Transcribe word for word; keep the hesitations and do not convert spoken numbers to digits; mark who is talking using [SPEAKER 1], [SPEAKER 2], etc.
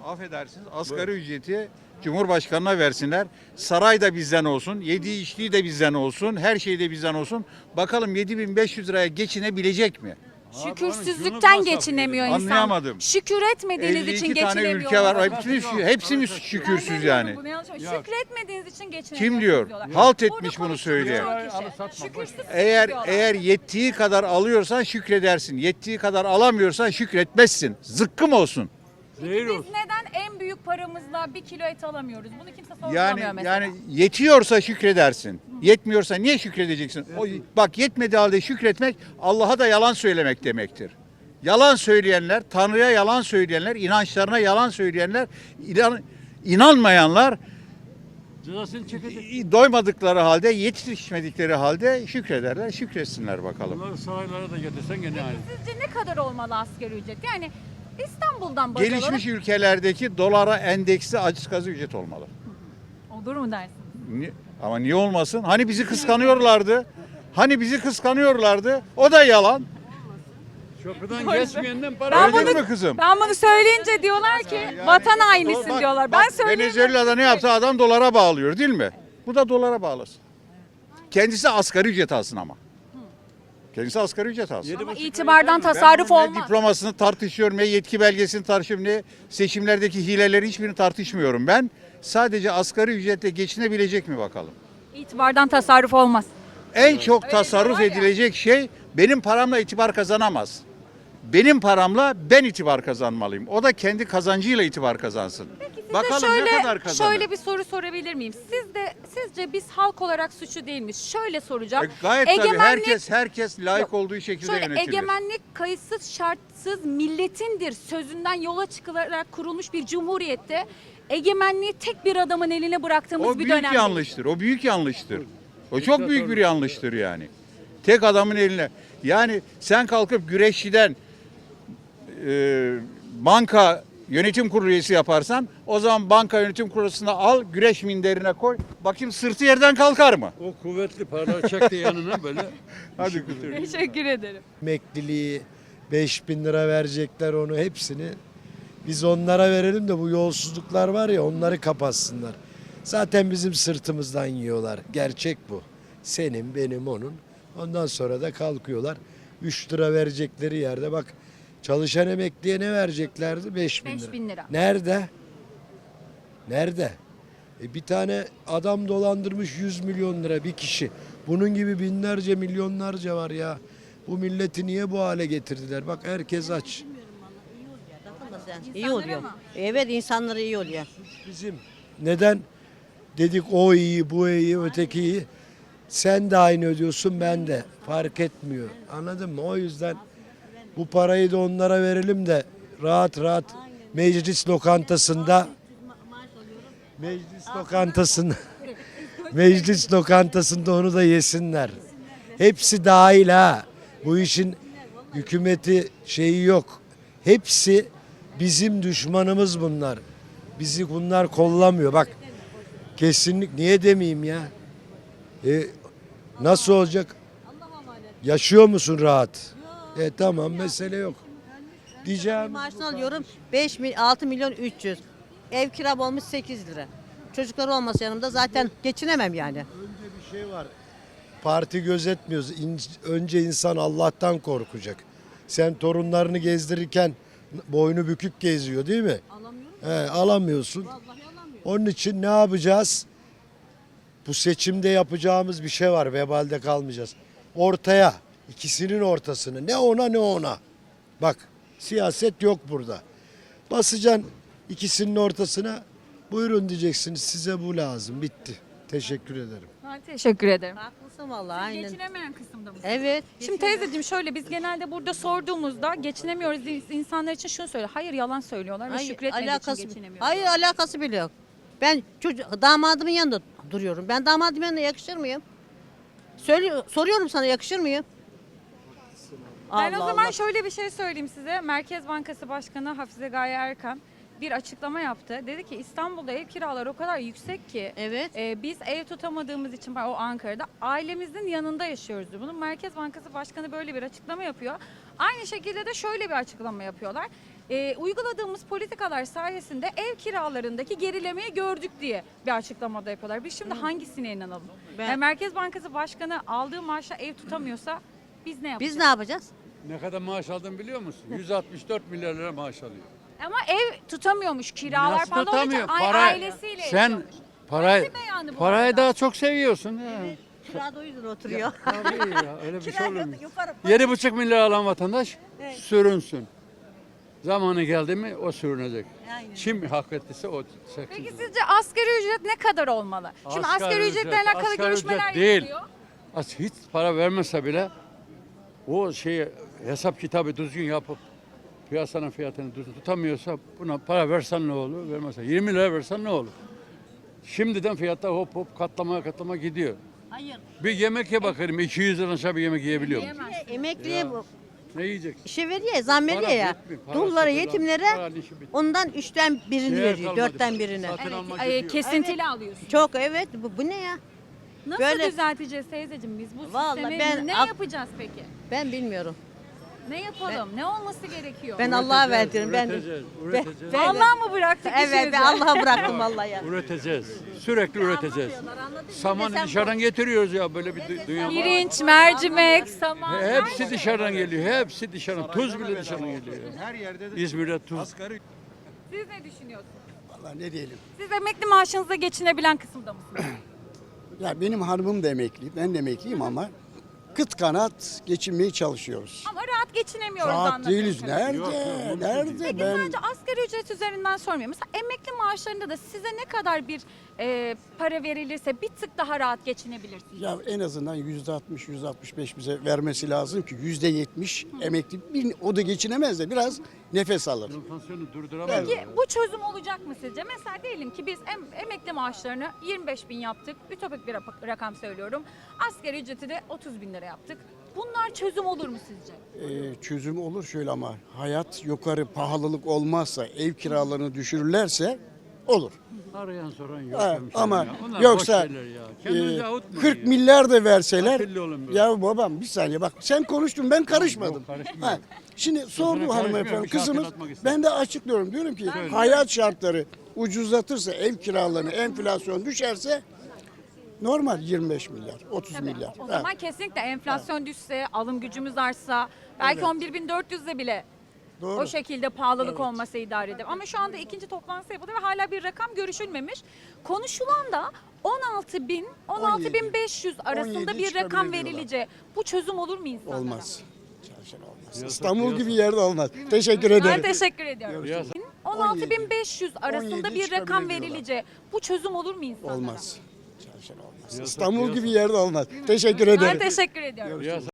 [SPEAKER 1] affedersiniz asgari ücreti Cumhurbaşkanı'na versinler. Saray da bizden olsun, yediği içtiği de bizden olsun, her şey de bizden olsun. Bakalım yedi bin beş yüz liraya geçinebilecek mi?
[SPEAKER 2] Şükürsüzlükten geçinemiyor insan.
[SPEAKER 1] Anlayamadım.
[SPEAKER 2] Şükür etmediğiniz için
[SPEAKER 1] elli iki tane
[SPEAKER 2] geçinemiyorlar.
[SPEAKER 1] ülke var. Hepsi, hepsi mi şükürsüz
[SPEAKER 2] Ben
[SPEAKER 1] yani?
[SPEAKER 2] demiyorum bunu, yanlış mı? Şükretmediğiniz için geçinemiyorsunuz
[SPEAKER 1] Kim diyor?
[SPEAKER 2] diyorlar.
[SPEAKER 1] Halt
[SPEAKER 2] Burada
[SPEAKER 1] etmiş bunu
[SPEAKER 2] konuştuğumuz
[SPEAKER 1] söyleyen.
[SPEAKER 2] çok kişi. Şükürsüz
[SPEAKER 1] Eğer
[SPEAKER 2] diyorlar.
[SPEAKER 1] eğer yettiği kadar alıyorsan şükredersin. Yettiği kadar alamıyorsan şükretmezsin. Zıkkım olsun.
[SPEAKER 2] Biz neden en büyük paramızla bir kilo et alamıyoruz? Bunu kimse sorgulamıyor
[SPEAKER 1] Yani
[SPEAKER 2] mesela.
[SPEAKER 1] yani yetiyorsa şükredersin. Yetmiyorsa niye şükredeceksin? O, bak yetmediği halde şükretmek Allah'a da yalan söylemek demektir. Yalan söyleyenler, Tanrı'ya yalan söyleyenler, inançlarına yalan söyleyenler, inan, inanmayanlar
[SPEAKER 3] Cezasını çekecek.
[SPEAKER 1] doymadıkları halde, yetişmedikleri halde şükrederler. Şükretsinler bakalım.
[SPEAKER 3] Bunları saraylara da getirsen gene aynı.
[SPEAKER 2] Sizce ne kadar olmalı asgari ücret? Yani İstanbul'dan baz alarak
[SPEAKER 1] Gelişmiş ülkelerdeki dolara endeksli asgari ücret olmalı.
[SPEAKER 2] olur mu dersin?
[SPEAKER 1] Ni- Ama niye olmasın? Hani bizi kıskanıyorlardı? Hani bizi kıskanıyorlardı? O da yalan.
[SPEAKER 3] Köprüden geçmeyenden para
[SPEAKER 2] Ben
[SPEAKER 1] Öyle
[SPEAKER 2] bunu,
[SPEAKER 1] mi kızım?
[SPEAKER 2] ben bunu söyleyince diyorlar ki vatan hainisin
[SPEAKER 1] Bak-
[SPEAKER 2] diyorlar.
[SPEAKER 1] bak,
[SPEAKER 2] Ben söyleyeyim.
[SPEAKER 1] Venezuela'da ne yaptı? Adam dolara bağlıyor değil mi? Bu da dolara bağlasın. Kendisi asgari ücret alsın ama. Kendisi asgari ücret alsın.
[SPEAKER 2] Ama itibardan
[SPEAKER 1] Ben
[SPEAKER 2] tasarruf
[SPEAKER 1] bunun ne
[SPEAKER 2] olmaz.
[SPEAKER 1] diplomasını tartışıyorum, ne yetki belgesini tartışıyorum, ne seçimlerdeki hileleri hiçbirini tartışmıyorum ben. Sadece asgari ücretle geçinebilecek mi bakalım?
[SPEAKER 2] İtibardan tasarruf olmaz.
[SPEAKER 1] En çok
[SPEAKER 2] Öyle
[SPEAKER 1] tasarruf
[SPEAKER 2] diyorlar ya.
[SPEAKER 1] edilecek şey benim paramla itibar kazanamaz. Benim paramla ben itibar kazanmalıyım. O da kendi kazancıyla itibar kazansın.
[SPEAKER 2] Size
[SPEAKER 1] Bakalım
[SPEAKER 2] şöyle,
[SPEAKER 1] ne kadar kazanır.
[SPEAKER 2] şöyle bir soru sorabilir miyim? Siz de sizce biz halk olarak suçlu değil miyiz? Şöyle soracağım.
[SPEAKER 1] E, gayet tabii
[SPEAKER 2] Egemenlik-
[SPEAKER 1] herkes herkes layık
[SPEAKER 2] Yok.
[SPEAKER 1] olduğu şekilde
[SPEAKER 2] Şöyle
[SPEAKER 1] yönetilir.
[SPEAKER 2] egemenlik kayıtsız şartsız milletindir sözünden yola çıkılarak kurulmuş bir cumhuriyette egemenliği tek bir adamın eline bıraktığımız
[SPEAKER 1] O
[SPEAKER 2] bir
[SPEAKER 1] büyük
[SPEAKER 2] dönem.
[SPEAKER 1] yanlıştır. O büyük yanlıştır. O çok büyük bir yanlıştır yani. Tek adamın eline. Yani sen kalkıp güreşçiden e, banka yönetim kurulu üyesi yaparsan o zaman banka yönetim kuruluna al, güreş minderine koy. Bakayım sırtı yerden kalkar mı?
[SPEAKER 3] o kuvvetli paraları çekti yanına böyle.
[SPEAKER 1] Hadi götür.
[SPEAKER 2] Teşekkür ederim.
[SPEAKER 4] Emekliliği beş bin lira verecekler onu hepsini. Biz onlara verelim de bu yolsuzluklar var ya onları kapatsınlar. Zaten bizim sırtımızdan yiyorlar. Gerçek bu. Senin, benim, onun. Ondan sonra da kalkıyorlar. üç lira verecekleri yerde bak çalışan emekliye ne vereceklerdi? beş bin lira.
[SPEAKER 2] beş bin lira.
[SPEAKER 4] Nerede? Nerede? E bir tane adam dolandırmış yüz milyon lira bir kişi. Bunun gibi binlerce milyonlarca var ya. Bu milleti niye bu hale getirdiler? Bak herkes aç.
[SPEAKER 5] İyi oluyor. Evet insanlara iyi oluyor.
[SPEAKER 4] Bizim neden dedik o iyi, bu iyi, öteki iyi. Sen de aynı ödüyorsun, ben de. Fark etmiyor. Anladın mı? O yüzden bu parayı da onlara verelim de rahat rahat meclis lokantasında meclis lokantasında meclis lokantasında onu da yesinler. Hepsi dahil ha. Bu işin hükümeti şeyi yok. Hepsi bizim düşmanımız bunlar. Bizi bunlar kollamıyor. Bak kesinlik niye demeyeyim ya? E, nasıl olacak? Yaşıyor musun rahat? E tamam mesele yok. Diyeceğim.
[SPEAKER 5] Maaşını alıyorum beş mil, altı milyon üç yüz. Ev kiram olmuş sekiz lira. Çocuklar olmasa yanımda zaten geçinemem yani.
[SPEAKER 4] Önce bir şey var. Parti gözetmiyoruz. İn- önce insan Allah'tan korkacak. Sen torunlarını gezdirirken boynu bükük geziyor değil mi?
[SPEAKER 5] Alamıyorum.
[SPEAKER 4] He, alamıyorsun.
[SPEAKER 5] Vallahi alamıyorum.
[SPEAKER 4] Onun için ne yapacağız? Bu seçimde yapacağımız bir şey var. Vebalde kalmayacağız. Ortaya, ikisinin ortasını. Ne ona ne ona. Bak siyaset yok burada. Basacaksın ikisinin ortasına. Buyurun diyeceksiniz. Size bu lazım. Bitti. Teşekkür ederim.
[SPEAKER 2] Ben teşekkür ederim.
[SPEAKER 5] Haklısın vallahi aynen.
[SPEAKER 2] Geçinemeyen kısımda mı?
[SPEAKER 5] Evet.
[SPEAKER 2] Şimdi teyzeciğim şöyle biz genelde burada sorduğumuzda geçinemiyoruz insanlar için şunu söylüyor. Hayır yalan söylüyorlar ve
[SPEAKER 5] Hayır,
[SPEAKER 2] şükretmediği
[SPEAKER 5] alakası,
[SPEAKER 2] için geçinemiyoruz.
[SPEAKER 5] hayır alakası bile yok. Ben çocuk, damadımın yanında duruyorum. Ben damadımın yanında yakışır mıyım? Söylüyor, soruyorum sana yakışır mıyım?
[SPEAKER 2] Ben o
[SPEAKER 5] Allah
[SPEAKER 2] zaman
[SPEAKER 5] Allah.
[SPEAKER 2] şöyle bir şey söyleyeyim size. Merkez Bankası Başkanı Hafize Gaye Erkan bir açıklama yaptı. Dedi ki İstanbul'da ev kiraları o kadar yüksek ki
[SPEAKER 5] Evet.
[SPEAKER 2] e, biz ev tutamadığımız için o Ankara'da ailemizin yanında yaşıyoruz diyor. Bunun Merkez Bankası Başkanı böyle bir açıklama yapıyor. Aynı şekilde de şöyle bir açıklama yapıyorlar. e, uyguladığımız politikalar sayesinde ev kiralarındaki gerilemeyi gördük diye bir açıklamada yapıyorlar. Biz şimdi hangisine inanalım?
[SPEAKER 5] Ben-
[SPEAKER 2] Yani Merkez Bankası Başkanı aldığı maaşla ev tutamıyorsa biz ne yapacağız?
[SPEAKER 5] Biz ne yapacağız?
[SPEAKER 3] Ne kadar maaş aldın biliyor musun? yüz altmış dört milyar lira maaş alıyor.
[SPEAKER 2] Ama ev tutamıyormuş, kiralar
[SPEAKER 3] Nasıl
[SPEAKER 2] falan olduğu için
[SPEAKER 3] tutamıyor?
[SPEAKER 2] ay-
[SPEAKER 3] Para,
[SPEAKER 2] ailesiyle
[SPEAKER 3] sen
[SPEAKER 2] yaşıyormuş.
[SPEAKER 3] parayı,
[SPEAKER 2] Öyle beyanı bu
[SPEAKER 3] parayı
[SPEAKER 2] arada.
[SPEAKER 3] daha çok seviyorsun. Ha.
[SPEAKER 5] Kirada o yüzden oturuyor.
[SPEAKER 3] Tabii ya, öyle bir şey
[SPEAKER 5] Kirada
[SPEAKER 3] olur mu?
[SPEAKER 5] yukarı-
[SPEAKER 3] Yedi buçuk milyar alan vatandaş sürünsün. Zamanı geldi mi o sürünecek.
[SPEAKER 5] Aynen.
[SPEAKER 3] Kim hak ettiyse o çeksin.
[SPEAKER 2] Peki sizce asgari ücret ne kadar olmalı? Şimdi asgari,
[SPEAKER 3] Asgari
[SPEAKER 2] ücretle
[SPEAKER 3] ücret,
[SPEAKER 2] alakalı
[SPEAKER 3] asgari
[SPEAKER 2] görüşmeler
[SPEAKER 3] ücret değil.
[SPEAKER 2] yapılıyor.
[SPEAKER 3] As hiç para vermese bile o şeyi hesap kitabı düzgün yapıp piyasanın fiyatını düzgün tutamıyorsa buna para versen ne olur? Vermezsen yirmi lira versen ne olur? Şimdiden fiyatlar hop hop katlama katlama gidiyor.
[SPEAKER 5] Hayır.
[SPEAKER 3] Bir yemek ye bakalım iki yüz lira aşağı bir yemek yiyebiliyor musun?
[SPEAKER 2] Yiyemez.
[SPEAKER 5] Emekliye bu
[SPEAKER 3] Ne yiyeceksin?
[SPEAKER 5] işe veriyor ya, zam veriyor
[SPEAKER 3] Para
[SPEAKER 5] ya.
[SPEAKER 3] bitmiyor, para
[SPEAKER 5] Dullara,
[SPEAKER 3] sıfırlan,
[SPEAKER 5] yetimlere
[SPEAKER 3] paranın işi bitti.
[SPEAKER 5] ondan üçten birini
[SPEAKER 3] Değer
[SPEAKER 5] veriyor,
[SPEAKER 3] kalmadı.
[SPEAKER 5] dörtten birini.
[SPEAKER 3] Satın
[SPEAKER 2] Evet,
[SPEAKER 3] almak
[SPEAKER 2] e,
[SPEAKER 3] gidiyor.
[SPEAKER 2] kesintili alıyorsun.
[SPEAKER 5] Çok, evet, bu, bu ne ya?
[SPEAKER 2] Nasıl
[SPEAKER 5] Böyle-
[SPEAKER 2] düzelteceğiz teyzeciğim biz bu
[SPEAKER 5] Vallahi
[SPEAKER 2] sistemi?
[SPEAKER 5] ben-
[SPEAKER 2] ne
[SPEAKER 5] Ak-
[SPEAKER 2] yapacağız peki?
[SPEAKER 5] Ben bilmiyorum.
[SPEAKER 2] Ne yapalım? ne olması gerekiyor?
[SPEAKER 5] Ben Allah'a
[SPEAKER 3] Üreteceğiz,
[SPEAKER 5] verdim. Ben
[SPEAKER 3] üreteceğiz, üreteceğiz.
[SPEAKER 5] Ben-
[SPEAKER 2] Vallahi mı bıraktık
[SPEAKER 5] evet,
[SPEAKER 2] işimizi?
[SPEAKER 5] ben Allah'a bıraktım vallahi ya.
[SPEAKER 3] Üreteceğiz. Sürekli üreteceğiz.
[SPEAKER 5] Anlamıyorlar, anladın mı?
[SPEAKER 3] Samanı
[SPEAKER 5] Sen
[SPEAKER 3] dışarıdan getiriyoruz ya böyle bir dü- dünya var.
[SPEAKER 2] Pirinç, mercimek, saman. her
[SPEAKER 3] Hepsi
[SPEAKER 2] şey.
[SPEAKER 3] dışarıdan geliyor. Hepsi dışarıdan. Tuz bile dışarıdan geliyor.
[SPEAKER 1] Her yerde de
[SPEAKER 3] İzmir'de tuz.
[SPEAKER 1] asgari
[SPEAKER 2] Siz ne düşünüyorsunuz?
[SPEAKER 6] Vallahi ne diyelim.
[SPEAKER 2] Siz emekli maaşınızla geçinebilen kısımda mısınız?
[SPEAKER 6] Ya benim hanımım da emekli, ben de emekliyim ama kıt kanat geçinmeye çalışıyoruz.
[SPEAKER 2] Ama rahat geçinemiyoruz
[SPEAKER 6] Rahat
[SPEAKER 2] anladığım
[SPEAKER 6] değiliz.
[SPEAKER 2] kadarıyla.
[SPEAKER 6] Nerede?
[SPEAKER 3] Yok, yok, mümkün
[SPEAKER 6] Nerede?
[SPEAKER 2] Peki
[SPEAKER 6] Ben
[SPEAKER 2] sadece asgari ücret üzerinden sormuyorum. Mesela emekli maaşlarında da size ne kadar bir e, para verilirse bir tık daha rahat geçinebilirsiniz.
[SPEAKER 6] ya en azından yüzde altmış, yüzde altmış beş bize vermesi lazım ki yüzde yetmiş emekli bir, o da geçinemez de biraz nefes alır.
[SPEAKER 3] Enflasyonu durduramayız.
[SPEAKER 2] Peki bu çözüm olacak mı sizce? Mesela diyelim ki biz em- emekli maaşlarını yirmi beş bin yaptık. Ütopik bir rap- rakam söylüyorum. Asgari ücreti de otuz bin lira yaptık. Bunlar çözüm olur mu sizce?
[SPEAKER 6] Ee, çözüm olur şöyle ama hayat yukarı pahalılık olmazsa ev kiralarını düşürürlerse olur.
[SPEAKER 3] Arayan soran yok.
[SPEAKER 6] Ha,
[SPEAKER 3] hemşerim
[SPEAKER 6] ama
[SPEAKER 3] ya. Onlar
[SPEAKER 6] yoksa
[SPEAKER 3] boş şeyler ya. Kendinizi
[SPEAKER 6] e,
[SPEAKER 3] avutmayın
[SPEAKER 6] kırk
[SPEAKER 3] ya.
[SPEAKER 6] milyar da verseler
[SPEAKER 3] Akıllı olun böyle.
[SPEAKER 6] ya babam bir saniye bak sen konuştun ben karışmadım.
[SPEAKER 3] yok, karışmıyorum.
[SPEAKER 6] Ha, şimdi sordu
[SPEAKER 3] karışmıyorum,
[SPEAKER 6] hanımefendi
[SPEAKER 3] bir şey
[SPEAKER 6] kızımız
[SPEAKER 3] hatırlatmak istedim.
[SPEAKER 6] ben de açıklıyorum diyorum ki hayat şartları ucuzlatırsa ev kiralarını enflasyon düşerse normal yirmi beş milyar otuz milyar.
[SPEAKER 2] O
[SPEAKER 6] Ha.
[SPEAKER 2] zaman kesinlikle enflasyon düşse, alım gücümüz artsa, belki on bir bin dört yüzle bile
[SPEAKER 6] Doğru.
[SPEAKER 2] o şekilde pahalılık olması idare eder. Ama şu anda ikinci toplantısı yapıldı ve hala bir rakam görüşülmemiş. Konuşulan da on altı bin, on altı bin beş yüz arasında
[SPEAKER 6] on yedi
[SPEAKER 2] bir rakam
[SPEAKER 6] çıkabilir diyorlar.
[SPEAKER 2] verilince bu çözüm olur mu insanlara?
[SPEAKER 6] Olmaz. Çalışan olmaz.
[SPEAKER 3] Piyasa-
[SPEAKER 6] İstanbul
[SPEAKER 3] piyasa-
[SPEAKER 6] gibi yerde olmaz. Teşekkür
[SPEAKER 2] Ben
[SPEAKER 6] ederim.
[SPEAKER 2] teşekkür ediyorum.
[SPEAKER 3] Piyasa-
[SPEAKER 2] on altı bin beş yüz arasında
[SPEAKER 6] on yedi
[SPEAKER 2] bir rakam
[SPEAKER 6] çıkabilir
[SPEAKER 2] verilince bu çözüm olur mu insanlara?
[SPEAKER 6] Olmaz. Çalışan olmaz.
[SPEAKER 3] Piyasa-
[SPEAKER 6] İstanbul
[SPEAKER 3] piyasa-
[SPEAKER 6] gibi yerde olmaz. Teşekkür
[SPEAKER 2] Ben
[SPEAKER 6] ederim.
[SPEAKER 2] teşekkür ediyorum.
[SPEAKER 3] Piyasa-